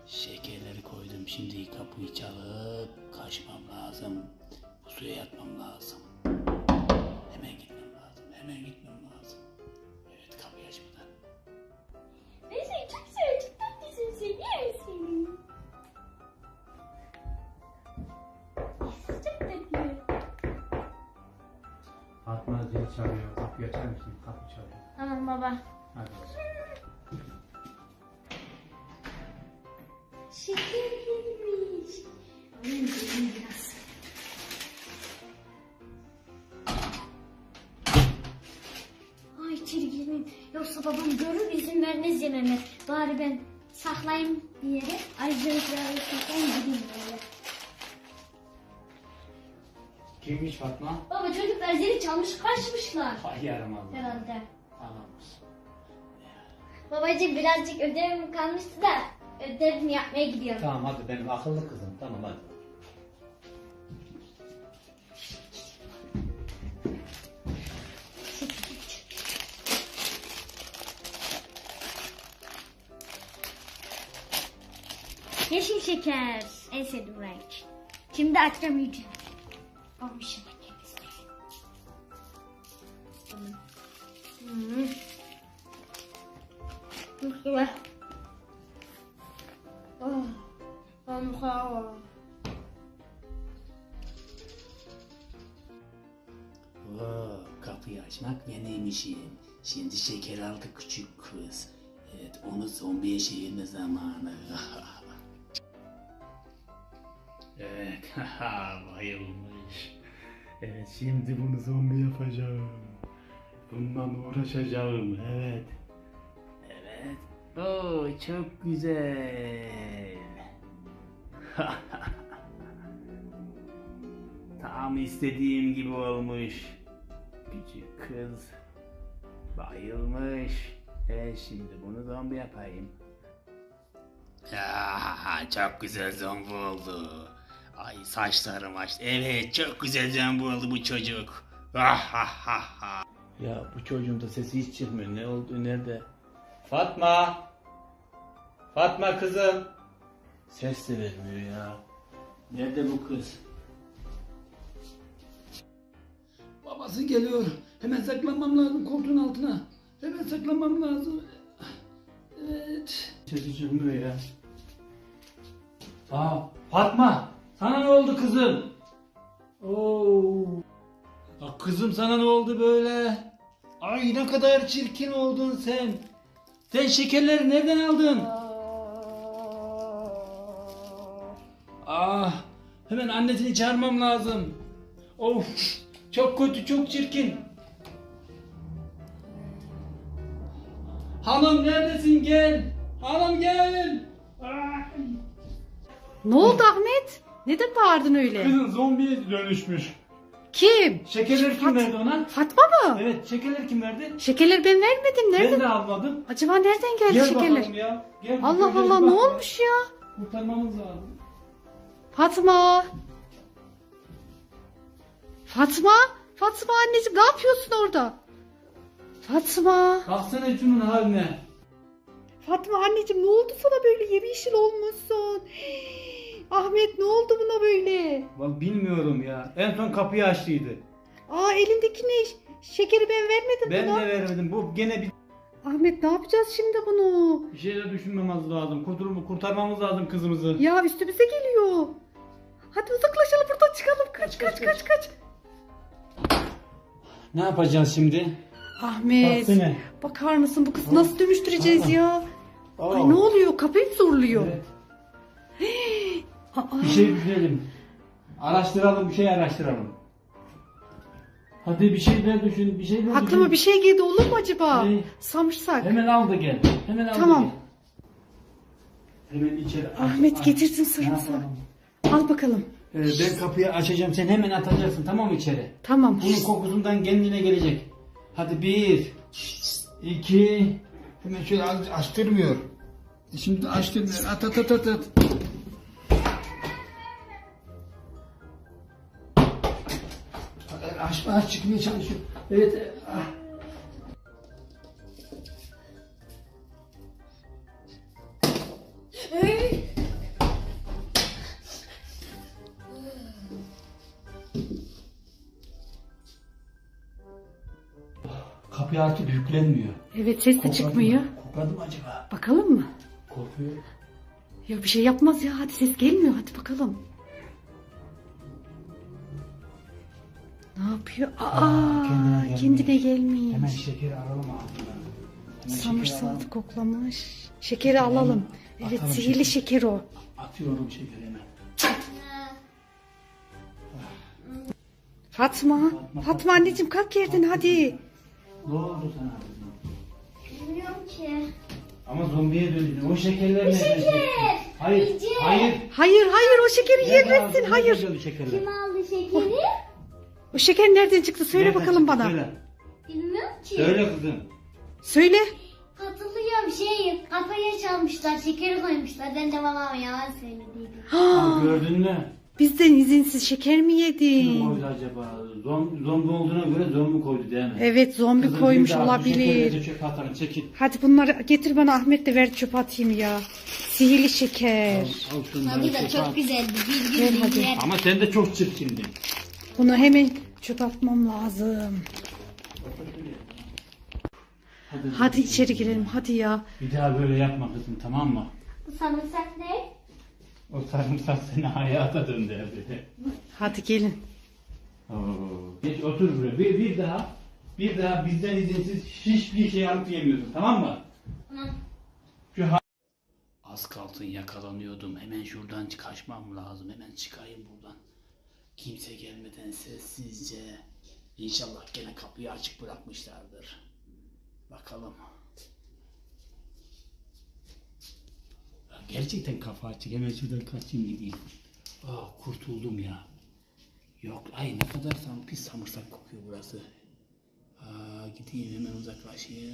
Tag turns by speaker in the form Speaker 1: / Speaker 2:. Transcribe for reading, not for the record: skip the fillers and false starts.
Speaker 1: Şekerleri koydum. Şimdi kapıyı çalıp kaçmam lazım. Bu suya yatmam lazım. Hemen gitmem lazım. Hemen gitmem lazım. Evet, kapıyı açmadan.
Speaker 2: Ben seni çok seviyorum. Çok tatlısın. Seviyorum seni. Çok tatlı.
Speaker 3: Fatma zil çalıyor. Kapıyı açar mısın? Kapı çalıyor.
Speaker 2: Tamam baba.
Speaker 3: Hadi.
Speaker 2: Şeker gelmiş. Alayım dedim biraz. Ay içeri girmeyeyim. Yoksa babam görür izin vermez yememe. Bari ben saklayayım bir yere. Ayrıcalıkları saklayayım gideyim böyle.
Speaker 3: Kimmiş Fatma?
Speaker 2: Baba çocuklar zili çalmış kaçmışlar.
Speaker 3: Ay yaramaz.
Speaker 2: Herhalde.
Speaker 3: Tamam.
Speaker 2: Babacığım birazcık ödevim kalmıştı da ödevimi yapmaya gidiyorum.
Speaker 3: Tamam hadi benim akıllı kızım. Tamam hadi.
Speaker 2: Yeşil şeker. En sevdiğim renk. Şimdi açacağım iyice. Olmuş hemen temizleyelim. Çok güzel.
Speaker 1: Kapıyı açmak benim işim. Şimdi şeker aldı küçük kız. Evet, onu zombiye çevirme zamanı. Evet, bayılmış. Evet, şimdi bunu zombi yapacağım. Bundan uğraşacağım. Evet. Evet. Oo, çok güzel. Tam istediğim gibi olmuş. Küçük kız bayılmış. Şimdi bunu zombi yapayım. Çok güzel zombi oldu. Ay, saçlarım açtı. Evet, çok güzel zombi oldu bu çocuk. Ya bu çocuğun da sesi hiç çıkmıyor. Ne oldu, nerede?
Speaker 3: Fatma! Fatma kızım!
Speaker 1: Ses de vermiyor ya. Nerede bu kız? Babası geliyor. Hemen saklanmam lazım koltuğun altına. Hemen saklanmam lazım. Evet. Sesi çıkmıyor ya.
Speaker 3: Fatma! Sana ne oldu kızım?
Speaker 1: Oo. Kızım, sana ne oldu böyle? Ay, ne kadar çirkin oldun sen. Sen şekerleri nereden aldın? Hemen annesini çağırmam lazım. Of, çok kötü, çok çirkin. Hanım, neredesin, gel. Hanım, gel.
Speaker 4: Ne oldu Ahmet? Neden bağırdın öyle?
Speaker 1: Kızın zombiye dönüşmüş.
Speaker 4: Kim?
Speaker 1: Şekerleri kim verdi ona?
Speaker 4: Fatma mı?
Speaker 1: Evet, şekerleri kim verdi?
Speaker 4: Şekerleri ben vermedim.
Speaker 1: Ben
Speaker 4: Nereden?
Speaker 1: de almadım.
Speaker 4: Acaba nereden geldi
Speaker 1: Gel
Speaker 4: şekerler?
Speaker 1: bakalım ya. Gel,
Speaker 4: Allah
Speaker 1: şekerlere
Speaker 4: Allah,
Speaker 1: bir
Speaker 4: ne
Speaker 1: bak ya.
Speaker 4: olmuş ya?
Speaker 1: Kurtarmamız lazım.
Speaker 4: Fatma. Fatma. Fatma anneciğim, ne yapıyorsun orada? Fatma.
Speaker 1: Baksana şunun haline.
Speaker 4: Fatma anneciğim, ne oldu sana böyle, yemyeşil olmuşsun? Ahmet, ne oldu buna böyle?
Speaker 1: Bak, bilmiyorum ya. En son kapıyı açtıydı.
Speaker 4: Elindeki ne? Şekeri ben vermedim
Speaker 1: Ben
Speaker 4: buna.
Speaker 1: de vermedim. Bu gene
Speaker 4: Ahmet, ne yapacağız şimdi bunu?
Speaker 1: bir şeyler düşünmemiz lazım. Kurtarmamız lazım kızımızı.
Speaker 4: Ya üstümüze geliyor. Hadi uzaklaşalım buradan, çıkalım. Kaç.
Speaker 1: Ne yapacağız şimdi?
Speaker 4: Ahmet,
Speaker 1: Baksana.
Speaker 4: bakar mısın, bu kızı nasıl dönüştüreceğiz ya?
Speaker 1: Aa.
Speaker 4: Ay, ne oluyor? Kapıyı mı zorluyor?
Speaker 1: Evet.
Speaker 4: Aa,
Speaker 1: Bir şey düşünelim. Araştıralım, bir şey araştıralım. Hadi bir şeyler düşün, bir şeyler düşün.
Speaker 4: aklıma bir şey geldi, olur mu acaba?
Speaker 1: Ne?
Speaker 4: Samırsak.
Speaker 1: Hemen al da gel. Hemen al
Speaker 4: Tamam.
Speaker 1: da gel. Hemen içeri.
Speaker 4: Ahmet getirsin
Speaker 1: Ne
Speaker 4: sarımsak.
Speaker 1: yapalım?
Speaker 4: Al bakalım.
Speaker 1: Ben kapıyı açacağım, sen hemen atacaksın, tamam mı, içeri?
Speaker 4: Tamam.
Speaker 1: Bunun kokusundan kendine gelecek. Hadi 1, 2, hemen şöyle açtırmıyor. Şimdi açtırmıyor. At. Aç çıkmaya çalışıyor. Evet. kapı artık yüklenmiyor.
Speaker 4: Evet, ses de çıkmıyor.
Speaker 1: Kokladı mı acaba?
Speaker 4: Bakalım mı?
Speaker 1: Korkuyor.
Speaker 4: Ya bir şey yapmaz ya. Hadi ses gelmiyor. Hadi bakalım. Ne yapıyor? Kendine gelmiş.
Speaker 1: Hemen şekeri alalım ağzından. Hemen
Speaker 4: Samırsal koklamış. Şekeri alalım. Evet,
Speaker 1: Atalım
Speaker 4: sihirli şeker o.
Speaker 1: Atıyorum şekeri hemen.
Speaker 4: Fatma. Fatma anneciğim kalk yerden hadi.
Speaker 1: Ne oldu sana kızım?
Speaker 2: Bilmiyorum ki.
Speaker 1: Ama zombiye döndün. O şekerler ne?
Speaker 2: Şeker.
Speaker 1: Hayır.
Speaker 2: Yiyeceğim.
Speaker 1: Hayır.
Speaker 4: Hayır o şekeri
Speaker 1: Nerede
Speaker 4: yiyemezsin.
Speaker 1: aldın?
Speaker 4: Hayır.
Speaker 1: Nerede o şekerler?
Speaker 2: Kim aldı şekeri?
Speaker 4: O şeker nereden çıktı? Söyle
Speaker 1: Nereden
Speaker 4: bakalım
Speaker 1: çıktı?
Speaker 4: bana.
Speaker 1: Söyle.
Speaker 2: Bilmiyorum ki.
Speaker 1: Söyle kızım.
Speaker 4: Söyle.
Speaker 2: Hatırlıyorum kapıya çalmışlar, şekeri koymuşlar. Ben de babama yalan söylediydim.
Speaker 1: Aa, gördün mü?
Speaker 4: Bizden izinsiz şeker mi
Speaker 1: Kim
Speaker 4: yedin?
Speaker 1: koydu acaba? Zombi olduğuna göre zombi koydu değil mi?
Speaker 4: Evet, zombi
Speaker 1: Kızım,
Speaker 4: koymuş
Speaker 1: bir daha bu şekerleri
Speaker 4: olabilir.
Speaker 1: de çöpe atalım, çekil.
Speaker 4: Hadi bunları getir bana, Ahmet de ver çöpe atayım ya. Sihirli şeker.
Speaker 1: Al şunları
Speaker 2: Tadı da
Speaker 1: çöpe
Speaker 2: çok
Speaker 1: at.
Speaker 2: güzeldi. Bir
Speaker 4: Ver
Speaker 2: gün
Speaker 4: hadi.
Speaker 2: yer.
Speaker 1: Ama sen de çok çirkindin.
Speaker 4: Bunu hemen çöpe atmam lazım. Hadi içeri girelim hadi ya.
Speaker 1: Bir daha böyle yapma kızım, tamam mı?
Speaker 2: Bu sarımsak ne?
Speaker 1: O sarımsak seni hayata döndürdü.
Speaker 4: Hadi gelin.
Speaker 1: Oo, geç otur buraya. Bir daha bizden izinsiz hiçbir şey alıp yemiyorsun, tamam mı?
Speaker 2: Tamam.
Speaker 1: Az kalsın yakalanıyordum. Hemen şuradan kaçmam lazım. Hemen çıkayım buradan. Kimse gelmeden sessizce. İnşallah gene kapıyı açık bırakmışlardır. Bakalım. Ya gerçekten kafa açık. Hemen şuradan kaçayım gideyim. Kurtuldum ya. Yok, ay ne kadar pis samırsak kokuyor burası. Gideyim hemen uzaklaşayım.